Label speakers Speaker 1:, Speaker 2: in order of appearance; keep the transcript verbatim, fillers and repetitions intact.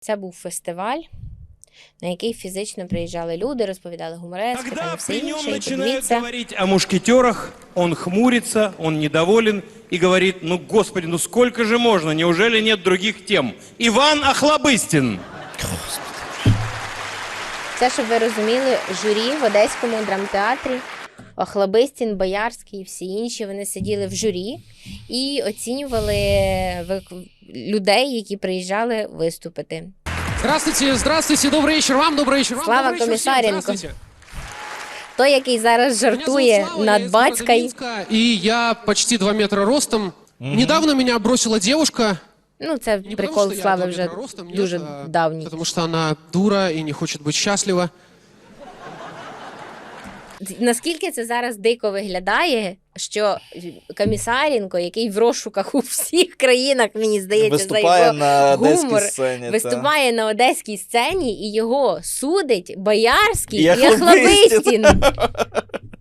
Speaker 1: Це був фестиваль, на який фізично приїжджали люди, розповідали гуморески, там і все інше. І
Speaker 2: начинают
Speaker 1: подивіться,
Speaker 2: говорить о мушкетерах, он хмурится, он недоволен и говорит: ну, господи, ну сколько же можно, неужели нет других тем? Иван Охлобыстин.
Speaker 1: це, щоб ви розуміли, журі в Одеському драмтеатрі, Охлобистін, Боярський і всі інші, вони сиділи в журі і оцінювали вик- людей, які приїжджали виступити.
Speaker 3: Здравствуйте, здравствуйте, добрый вечер вам, добрый вечер вам.
Speaker 1: Слава
Speaker 3: добрый вечер всем,
Speaker 1: Комиссаренко.
Speaker 3: здравствуйте.
Speaker 1: Той, який зараз
Speaker 3: Меня зовут
Speaker 1: жартує
Speaker 3: Слава, я
Speaker 1: над
Speaker 3: из города
Speaker 1: батькою,
Speaker 3: Минска, и я почти два метра ростом. Недавно меня бросила девушка.
Speaker 1: ну це
Speaker 3: Не потому,
Speaker 1: прикол
Speaker 3: что я
Speaker 1: Слави
Speaker 3: два
Speaker 1: вже
Speaker 3: метра ростом, нет,
Speaker 1: дуже
Speaker 3: а
Speaker 1: давній.
Speaker 3: Потому что она дура и не хочет быть счастлива.
Speaker 1: Наскільки це зараз дико виглядає, що Комісаренко, який в розшуках у всіх країнах, мені здається, за
Speaker 4: Виступає
Speaker 1: його
Speaker 4: на одеській
Speaker 1: гумор,
Speaker 4: сцені. та.
Speaker 1: виступає на одеській сцені, і його судить Боярський
Speaker 4: І
Speaker 1: і
Speaker 4: Охлобистін.
Speaker 1: Охлобистін.